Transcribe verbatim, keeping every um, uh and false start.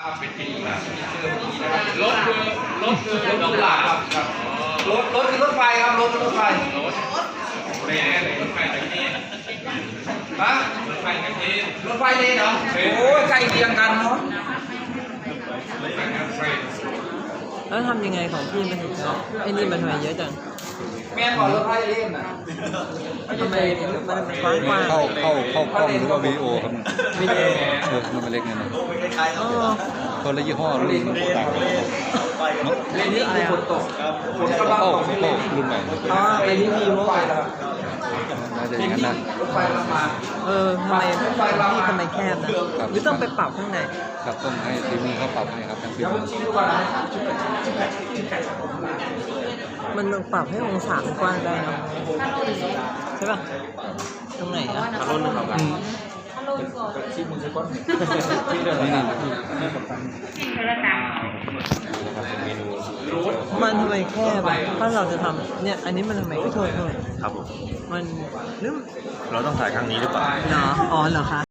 เป็นปีนะรถคือรถคือรถหลาครับครับรถรถคือรถไฟครับรถรถไฟรถเรนรถไฟตะกี้ฮะรถไฟตะกี้รถไฟเลนเหรอโอ้ยใกล้เคียงกันเนาะแล้วทำยังไงของพี่มันถึงเนาะไอ้นี่มันทำไมเยอะจังแม่ก่อนรถไฟเลนอ่ะทำไมมันมันกว้างกว้างเข้าเข้าเข้ากล้องหรือว่าวิดีโอครับวิดีโอเออมันเล็กไงนะคนละยี่ห้อรุ่นต่างกันเลนนี่คือฝนตกฝนกำลังตกเข้ารุ่นใหม่อ๋อไอ้นี่มีโม่น่าจะอย่างนั้นนะรถไฟกำลังมาเออทำไมพี่ทำไมแคบนะหรือต้องไปปรับข้างในครับต้องให้ทีมมือเขาปรับให้ครับทั้งฟิล์มมันปรับให้องศามันกว้างได้เนาะใช่ป่ะตรงไหนอ่ะอารมณ์นะครับนี่นี่มันทำไมแคบอ่ะถ้าเราจะทำเนี่ยอันนี้มันทำไมไม่โทษโทษครับผมมันนึกเราต้องถ่ายครั้งนี้หรือเปล่าเนาะอ๋อเหรอคะ